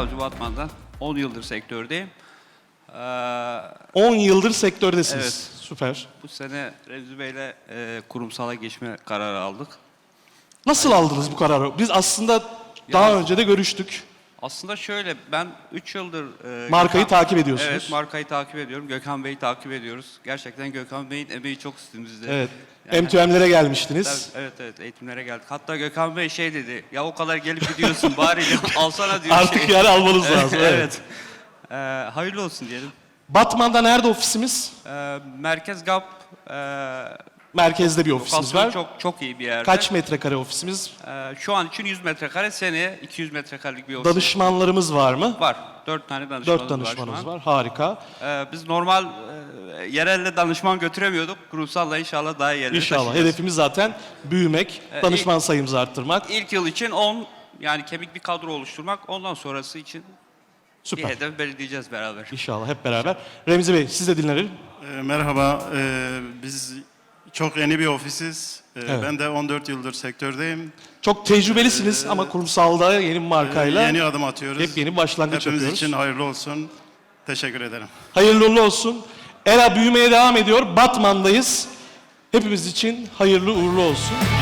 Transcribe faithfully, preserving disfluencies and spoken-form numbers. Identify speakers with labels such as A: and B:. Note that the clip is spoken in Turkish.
A: Savcı Batman'dan. on yıldır sektördeyim. Ee,
B: on yıldır sektördesiniz.
A: Evet.
B: Süper.
A: bu sene Remzi Bey'le e, kurumsala geçme kararı aldık.
B: Nasıl aldınız bu kararı? Biz aslında daha
A: Ya-
B: önce de görüştük.
A: Aslında şöyle, ben üç yıldır... E,
B: Markayı
A: Gökhan-
B: takip ediyorsunuz.
A: Evet, markayı takip ediyorum. Gökhan Bey'i takip ediyoruz. Gerçekten Gökhan Bey'in emeği çok üstümüzde.
B: Evet.
A: Yani-
B: M iki M'lere gelmiştiniz.
A: Tabii, Evet evet eğitimlere geldik. Hatta Gökhan Bey şey dedi, ya o kadar gelip gidiyorsun bari alsana diyor.
B: Artık
A: şey.
B: yani almanız lazım. Evet.
A: evet. Ee, hayırlı olsun diyelim.
B: Batman'da nerede ofisimiz?
A: Ee, Merkez G A P e,
B: Merkezde bir ofisimiz
A: lokasyonu
B: var.
A: çok çok iyi bir yerde.
B: Kaç metrekare ofisimiz?
A: Ee, şu an için yüz metrekare, seneye iki yüz metrekarelik bir ofis
B: Danışmanlarımız var mı?
A: var. Dört tane danışmanımız,
B: Dört danışmanımız
A: var.
B: var. Harika.
A: şu an. Ee, biz normal e, yerelle danışman götüremiyorduk. Kurumsalla inşallah daha iyi yerlere
B: İnşallah.
A: taşıyacağız.
B: Hedefimiz zaten büyümek,
A: Ee,
B: danışman sayımızı arttırmak.
A: İlk yıl için on, yani kemik bir kadro oluşturmak. Ondan sonrası için bir
B: Süper.
A: hedef belirleyeceğiz beraber.
B: İnşallah hep beraber. Remzi Bey siz de dinlenelim.
C: E, merhaba, e, biz çok yeni bir ofisiz. E,
B: Evet.
C: Ben de on dört yıldır sektördeyim.
B: Çok tecrübelisiniz ama kurumsalda yeni bir
C: E,
B: markayla
C: yeni adım atıyoruz.
B: hep yeni bir başlangıç
C: Hepimiz
B: yapıyoruz.
C: için hayırlı olsun. Teşekkür ederim.
B: Hayırlı uğurlu olsun. Era büyümeye devam ediyor. Batman'dayız. Hepimiz için hayırlı uğurlu olsun.